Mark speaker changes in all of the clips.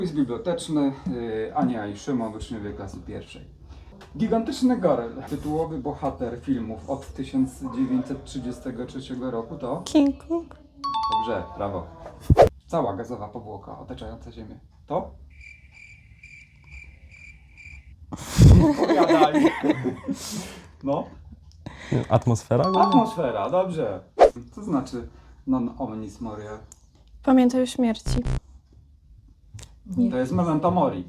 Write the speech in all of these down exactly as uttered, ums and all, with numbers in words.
Speaker 1: Quiz biblioteczny, yy, Ania i Szymon, uczniowie klasy pierwszej. Gigantyczny goryl, tytułowy bohater filmów od tysiąc dziewięćset trzydziestego trzeciego roku to?
Speaker 2: King Kong.
Speaker 1: Dobrze, brawo. Cała gazowa powłoka otaczająca Ziemię to? Odpowiadaj. No.
Speaker 3: Atmosfera?
Speaker 1: Atmosfera, dobrze. Co znaczy non omnis morior?
Speaker 2: Pamiętaj o śmierci.
Speaker 1: To jest memento mori.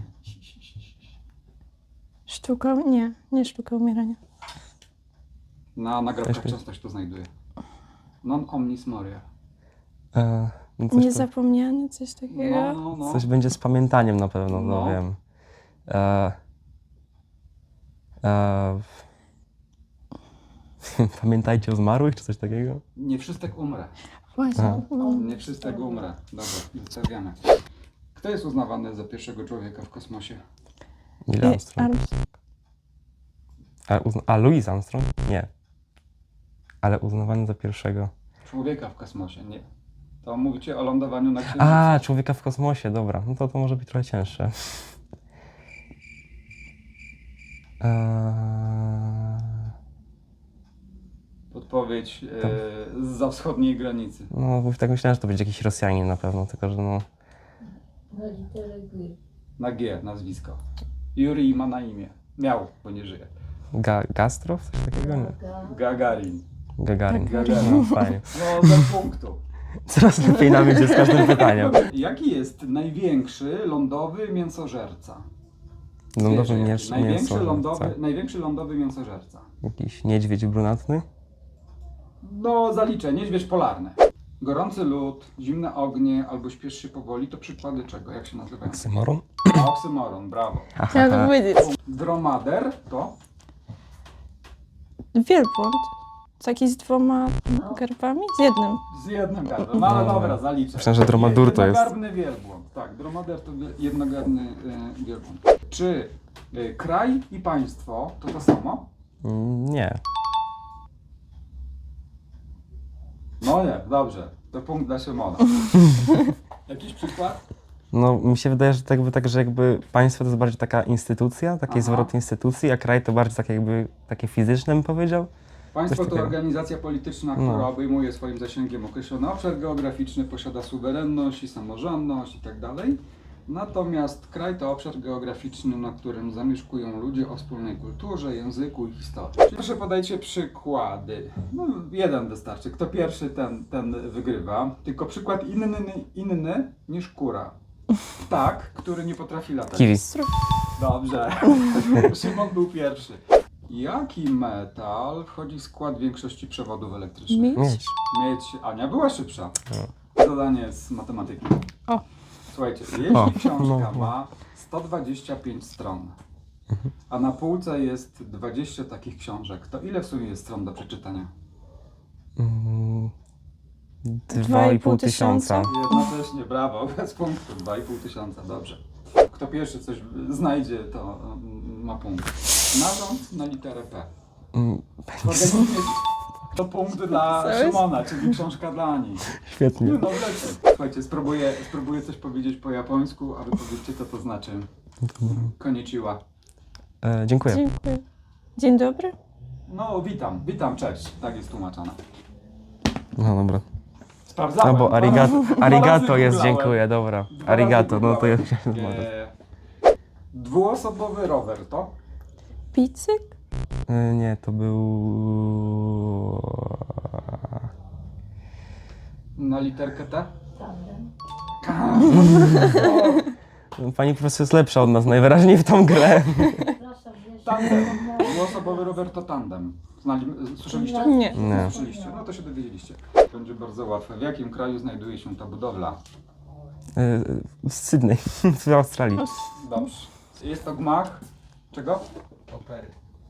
Speaker 2: Sztuka, nie, nie sztuka umierania.
Speaker 1: Na nagrobkach
Speaker 3: Weźmy.
Speaker 1: często się to znajduje. Non omnis morior.
Speaker 3: E, no coś,
Speaker 2: Niezapomniany, coś takiego.
Speaker 1: No, no, no.
Speaker 3: coś będzie z pamiętaniem na pewno, no,
Speaker 1: No.
Speaker 3: wiem. E, e, Pamiętajcie o zmarłych, czy coś takiego?
Speaker 1: Nie wszystek umrę.
Speaker 2: Właśnie.
Speaker 3: Aha.
Speaker 2: No.
Speaker 1: Nie wszystek umrę. Dobra, zostawiamy. Kto jest uznawany za pierwszego człowieka w kosmosie?
Speaker 3: Neil
Speaker 2: I-
Speaker 3: Armstrong.
Speaker 2: Armstrong.
Speaker 3: A, uzna- a Louis Armstrong? Nie. Ale uznawany za pierwszego.
Speaker 1: Człowieka w kosmosie, nie. To mówicie o lądowaniu na Księżycu.
Speaker 3: A, człowieka w kosmosie, dobra. No to to może być trochę cięższe. Eee,
Speaker 1: Podpowiedź e, zza wschodniej granicy.
Speaker 3: no, bo tak myślałem, że to będzie jakiś Rosjanin na pewno, tylko że no...
Speaker 4: Na literę G.
Speaker 1: Na G nazwisko. Jurij ma na imię. Miał, bo nie żyje.
Speaker 3: Ga Gastrow? Coś takiego? Nie.
Speaker 4: Ga.
Speaker 1: Gagarin.
Speaker 3: Gagarin.
Speaker 1: Gagarin.
Speaker 3: No, fajnie.
Speaker 1: No, za punktu.
Speaker 3: Coraz lepiej nam idzie z każdym pytaniem.
Speaker 1: Jaki jest największy lądowy mięsożerca?
Speaker 3: Lądowy
Speaker 1: Zwierzę jakie?
Speaker 3: mięs
Speaker 1: największy,
Speaker 3: mięso.
Speaker 1: lądowy, największy lądowy mięsożerca.
Speaker 3: Jakiś niedźwiedź brunatny?
Speaker 1: No, zaliczę. Niedźwiedź polarny. Gorący lód, zimne ognie albo śpiesz się powoli to przykłady czego? Jak się nazywają?
Speaker 3: Oksymoron?
Speaker 1: Oksymoron, brawo.
Speaker 2: Chciałam to powiedzieć.
Speaker 1: Dromader to?
Speaker 2: Wielbłąd. Taki z dwoma garbami? Z jednym.
Speaker 1: Z jednym gardłem. No ale
Speaker 3: No.
Speaker 1: dobra, zaliczę.
Speaker 3: Myślałem, że dromadur to jest.
Speaker 1: Jednogarbny wielbłąd. Tak, dromader to wie- jednogarbny y, wielbłąd. Czy y, kraj i państwo to to samo?
Speaker 3: Mm, Nie.
Speaker 1: No nie, dobrze. To punkt dla Szymona. Jakiś przykład?
Speaker 3: No, mi się wydaje, że tak jakby, tak, że jakby państwo to jest bardziej taka instytucja, taki
Speaker 1: Aha.
Speaker 3: zwrot instytucji, a kraj to bardziej takie jakby, takie fizyczne bym powiedział.
Speaker 1: Państwo
Speaker 3: Coś
Speaker 1: to
Speaker 3: takiego.
Speaker 1: organizacja polityczna, która
Speaker 3: No.
Speaker 1: obejmuje swoim zasięgiem określony obszar geograficzny, posiada suwerenność i samorządność itd. Natomiast kraj to obszar geograficzny, na którym zamieszkują ludzie o wspólnej kulturze, języku i historii. Proszę podajcie przykłady. No, jeden wystarczy. Kto pierwszy, ten, ten wygrywa. Tylko przykład inny, inny niż kura. Ptak, który nie potrafi latać.
Speaker 3: Kiwi.
Speaker 1: Dobrze. Szymon był pierwszy. Jaki metal wchodzi w skład większości przewodów elektrycznych?
Speaker 2: Miedź.
Speaker 3: Miedź.
Speaker 1: Miedź. Ania była szybsza. Zadanie z matematyki.
Speaker 2: O.
Speaker 1: Słuchajcie, jeśli
Speaker 3: O,
Speaker 1: książka
Speaker 3: no, no.
Speaker 1: ma sto dwadzieścia pięć stron, a na półce jest dwadzieścia takich książek, to ile w sumie jest stron do przeczytania?
Speaker 3: Mm,
Speaker 2: Dwa
Speaker 3: Dwa
Speaker 2: i
Speaker 3: i
Speaker 2: pół
Speaker 3: pół tysiąca.
Speaker 1: Jednocześnie, brawo, bez punktu, dwa i pół tysiąca, dobrze. Kto pierwszy coś znajdzie, to mm, ma punkt. Narząd na literę P.
Speaker 3: Mm,
Speaker 1: W organizmie to punkt dla
Speaker 2: Co jest?
Speaker 1: Szymona, czyli książka dla Ani.
Speaker 3: Świetnie.
Speaker 1: Nie, no wlecie. Słuchajcie, spróbuję, spróbuję coś powiedzieć po japońsku, a wy powiedzcie, co to znaczy. Konnichiwa.
Speaker 3: E, dziękuję.
Speaker 2: Dziękuję. Dzień dobry.
Speaker 1: No, witam, witam, cześć. Tak jest tłumaczone.
Speaker 3: No dobra.
Speaker 1: Sprawdzałem.
Speaker 3: No bo
Speaker 1: dwa
Speaker 3: arigato,
Speaker 1: razy- dwa
Speaker 3: arigato
Speaker 1: razy
Speaker 3: jest,
Speaker 1: googlałem.
Speaker 3: dziękuję, dobra.
Speaker 1: Dwa razy
Speaker 3: Arigato, no to ja
Speaker 1: googlałem. E, Dwuosobowy rower to?
Speaker 2: Picyk?
Speaker 3: E, Nie, to był...
Speaker 1: Na literkę T?
Speaker 4: Tandem.
Speaker 3: Pani profesor jest lepsza od nas najwyraźniej w tą grę.
Speaker 4: Przepraszam, wiesz,
Speaker 1: Tandem. Dwuosobowy rower to tandem. Znali, słyszeliście?
Speaker 2: Nie.
Speaker 3: Nie.
Speaker 1: Słyszeliście? No to się dowiedzieliście. Będzie bardzo łatwe. W jakim kraju znajduje się ta budowla?
Speaker 3: E, W Sydney, w Australii.
Speaker 1: Dobrze. Jest to gmach. Czego?
Speaker 5: Opery.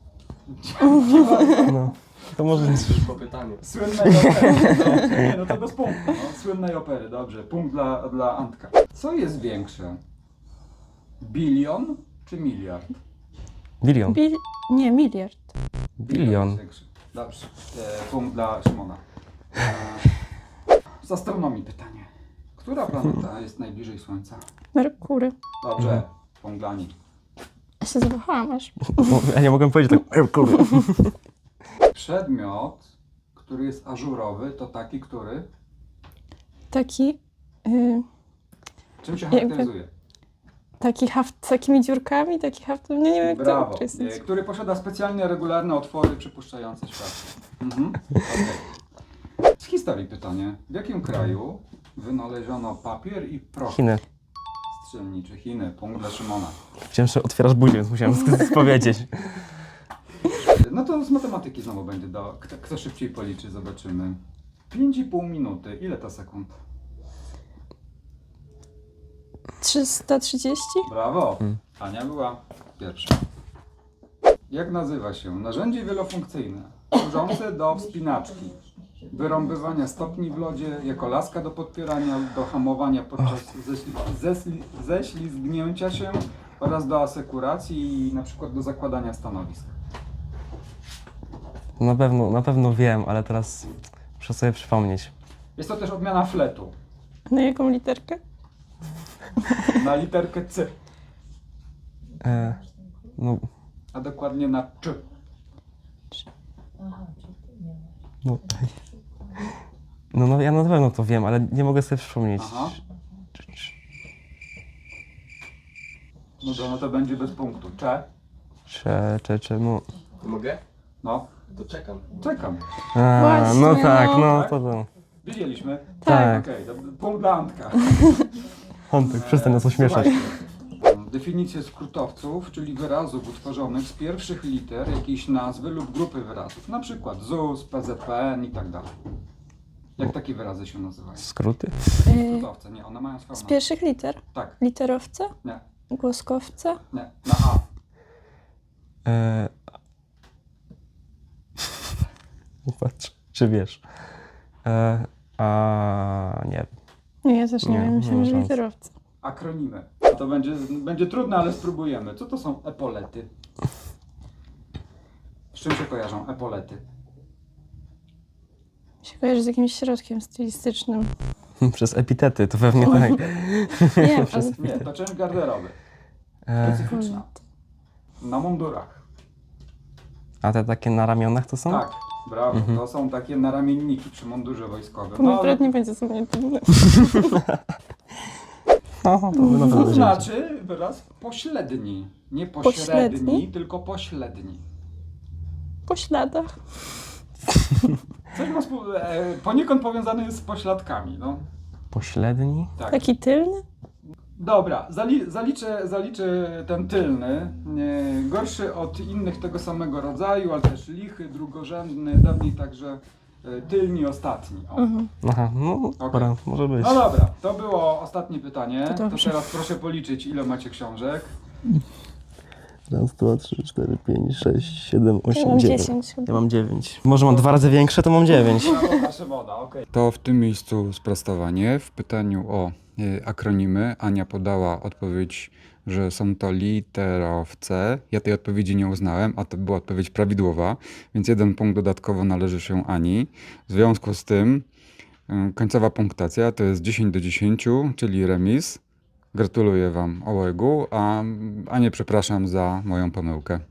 Speaker 3: No, to może...
Speaker 5: Po pytaniu.
Speaker 1: Słynnej opery. No, nie, no to bez punktu. No. Słynnej opery, dobrze. Punkt dla, dla Antka. Co jest większe? Bilion czy miliard?
Speaker 3: Bilion.
Speaker 2: Bil... Nie, miliard.
Speaker 3: Bilion.
Speaker 1: jest większy. Dobrze. E, punkt dla Szymona. E, z astronomii pytanie. Która planeta jest najbliżej Słońca?
Speaker 2: Merkury.
Speaker 1: Dobrze, punkt dla niej.
Speaker 2: Ja się zawahałam aż.
Speaker 3: No, ja nie mogłem powiedzieć tak, "Ej, kurde".
Speaker 1: Przedmiot, który jest ażurowy, to taki, który...
Speaker 2: Taki, y,
Speaker 1: Czym się
Speaker 2: Jakby-
Speaker 1: charakteryzuje?
Speaker 2: taki haft z takimi dziurkami, taki haft, nie, nie wiem jak
Speaker 1: Brawo.
Speaker 2: to określić.
Speaker 1: E, Który posiada specjalnie regularne otwory przypuszczające światło. Mhm. Okay. Z historii pytanie. W jakim kraju wynaleziono papier i proch
Speaker 3: Chiny.
Speaker 1: strzelniczy? Chiny. Punkt dla Szymona.
Speaker 3: Chciałem, że otwierasz buzię, więc musiałem sk- powiedzieć.
Speaker 1: No to z matematyki znowu będzie do... Kto, kto szybciej policzy, zobaczymy. pięć i pół minuty. Ile to sekund?
Speaker 2: trzysta trzydzieści?
Speaker 1: Brawo.
Speaker 3: Mm.
Speaker 1: Ania była pierwsza. Jak nazywa się narzędzie wielofunkcyjne służące do wspinaczki, wyrąbywania stopni w lodzie, jako laska do podpierania, do hamowania podczas ześli, zesli, ześlizgnięcia się oraz do asekuracji i na przykład do zakładania stanowisk?
Speaker 3: Na pewno, na pewno wiem, ale teraz muszę sobie przypomnieć.
Speaker 1: Jest to też odmiana fletu
Speaker 2: Na jaką literkę?
Speaker 1: na literkę C,
Speaker 3: E, no,
Speaker 1: a dokładnie na Cz.
Speaker 4: Aha, czy ty nie masz?
Speaker 3: no, no, no, ja na pewno to wiem, ale nie mogę sobie przypomnieć.
Speaker 1: Aha. No to, no to będzie bez punktu. Cze?
Speaker 3: Czy, czy, czy, no.
Speaker 5: Mogę?
Speaker 1: No,
Speaker 5: To czekam.
Speaker 1: czekam.
Speaker 3: A,
Speaker 2: Właśnie,
Speaker 3: no tak,
Speaker 2: no.
Speaker 3: no
Speaker 1: Tak?
Speaker 3: to to.
Speaker 1: Widzieliśmy?
Speaker 3: Tak.
Speaker 1: Okej, to punkt dla Antka.
Speaker 3: Antek, przestań nas ośmieszać.
Speaker 1: Słuchajcie, definicje skrótowców, czyli wyrazów utworzonych z pierwszych liter jakiejś nazwy lub grupy wyrazów, na przykład Z U S, P Z P N i tak dalej. Jak takie wyrazy się nazywają?
Speaker 3: Skróty?
Speaker 2: Y,
Speaker 1: Skrótowce, nie, one mają swoją
Speaker 2: z
Speaker 1: nazwę.
Speaker 2: pierwszych liter?
Speaker 1: Tak,
Speaker 2: Literowce?
Speaker 1: nie,
Speaker 2: Głoskowce?
Speaker 1: nie, na A.
Speaker 3: E... Patrz, czy wiesz? E... A nie.
Speaker 2: Nie, ja też nie,
Speaker 3: Nie,
Speaker 2: wiem,
Speaker 3: nie
Speaker 2: myślałam,
Speaker 3: ma
Speaker 2: że
Speaker 3: szans.
Speaker 2: literowce.
Speaker 1: Akronimy. To będzie, będzie trudne, ale spróbujemy. Co to są epolety? Z czym się kojarzą epolety?
Speaker 2: Mi się kojarzy z jakimś środkiem stylistycznym.
Speaker 3: Przez epitety, to pewnie tak.
Speaker 2: Nie,
Speaker 3: Przez
Speaker 2: ale...
Speaker 1: Nie, to część garderoby.
Speaker 3: E...
Speaker 1: Specyficzna. Na mundurach.
Speaker 3: A te takie na ramionach to są?
Speaker 1: Tak, brawo.
Speaker 3: Mhm.
Speaker 1: To są takie naramienniki przy mundurze wojskowym.
Speaker 2: To mój
Speaker 1: ale
Speaker 2: brat nie będzie sobie trudny.
Speaker 3: No, to by na pewno
Speaker 1: to
Speaker 3: wiedzieć.
Speaker 1: znaczy wyraz pośredni. Nie pośredni,
Speaker 2: Pośredni?
Speaker 1: tylko pośredni.
Speaker 2: Po śladach.
Speaker 1: Coś ma spół- e, poniekąd powiązany jest z pośladkami, no.
Speaker 3: Pośredni?
Speaker 1: Tak.
Speaker 2: Taki tylny?
Speaker 1: Dobra, zali- zaliczę, zaliczę ten tylny. Nie, gorszy od innych tego samego rodzaju, ale też lichy, drugorzędny, dawniej także e, tylni, ostatni. O.
Speaker 2: Mhm.
Speaker 3: Aha, no dobra, może być.
Speaker 1: No dobra, to było ostatnie pytanie.
Speaker 2: To
Speaker 1: To
Speaker 2: dobrze.
Speaker 1: teraz proszę policzyć, ile macie książek.
Speaker 3: Raz, dwa, trzy, cztery, pięć, sześć, siedem,
Speaker 2: Ja
Speaker 3: osiem,
Speaker 2: mam
Speaker 3: dziewięć.
Speaker 2: dziesięć chyba.
Speaker 3: Ja mam dziewięć. Może mam dwa razy większe, to mam dziewięć.
Speaker 1: Brawo, proszę woda, okej. To w tym miejscu sprostowanie. W pytaniu o y, akronimy Ania podała odpowiedź, że są to literowce. Ja tej odpowiedzi nie uznałem, a to była odpowiedź prawidłowa, więc jeden punkt dodatkowo należy się Ani. W związku z tym y, końcowa punktacja to jest dziesięć do dziesięciu, czyli remis. Gratuluję Wam obojgu, a Anię przepraszam za moją pomyłkę.